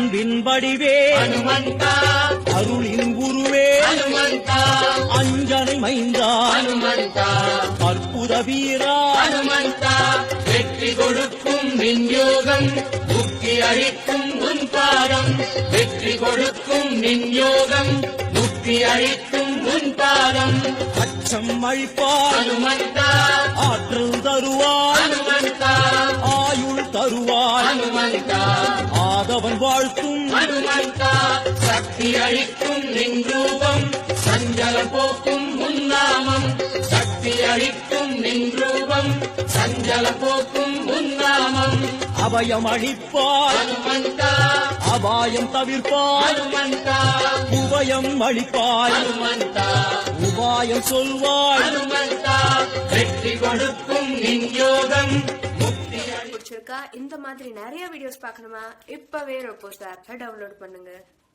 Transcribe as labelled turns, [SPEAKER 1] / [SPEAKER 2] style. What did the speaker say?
[SPEAKER 1] அன்பின் வடிவே
[SPEAKER 2] ஹனுமந்தா,
[SPEAKER 1] அருளின் குருவே
[SPEAKER 2] ஹனுமந்தா,
[SPEAKER 1] அஞ்சனை மைந்தா
[SPEAKER 2] ஹனுமந்தா,
[SPEAKER 1] அற்புத வீரா
[SPEAKER 2] ஹனுமந்தா, வெற்றி கொடுக்கும் நின்யோகம், முக்தி அளிக்கும் உன் பாதம், வெற்றி கொடுக்கும் நின்யோகம், முக்தி அளிக்கும் உன் பாதம்,
[SPEAKER 1] அச்சம் அழிப்பாய்
[SPEAKER 2] ஹனுமந்தா,
[SPEAKER 1] ஆற்றல் தருவாய்
[SPEAKER 2] ஹனுமந்தா,
[SPEAKER 1] ஆயுள் தருவாய்
[SPEAKER 2] ஹனுமந்தா,
[SPEAKER 1] ஆதவன் வாழ்த்தும்
[SPEAKER 2] ஹனுமந்தா, சக்தி அளிக்கும் நின் ரூபம், சஞ்சலம் போக்கும் உன்னாமம், சக்தி அளிக்கும் நின் ரூபம், சஞ்சலம் போக்கும் உன்னாமம்,
[SPEAKER 1] அபயம் அளிப்பாய்
[SPEAKER 2] ஹனுமந்தா,
[SPEAKER 1] அபாயம் தவிர்ப்பாய்
[SPEAKER 2] ஹனுமந்தா,
[SPEAKER 1] உபயம் அளிப்பாய்
[SPEAKER 2] ஹனுமந்தா,
[SPEAKER 1] உபாயம் சொல்வாய்
[SPEAKER 2] ஹனுமந்தா, வெற்றி கொடுக்கும் நின் யோகம், முக்தி
[SPEAKER 3] பிடிச்சிருக்கா? இந்த மாதிரி நிறைய வீடியோஸ் பார்க்கணுமா? இப்பவே ரோபோஸ் ஆப்பை டவுன்லோட் பண்ணுங்க.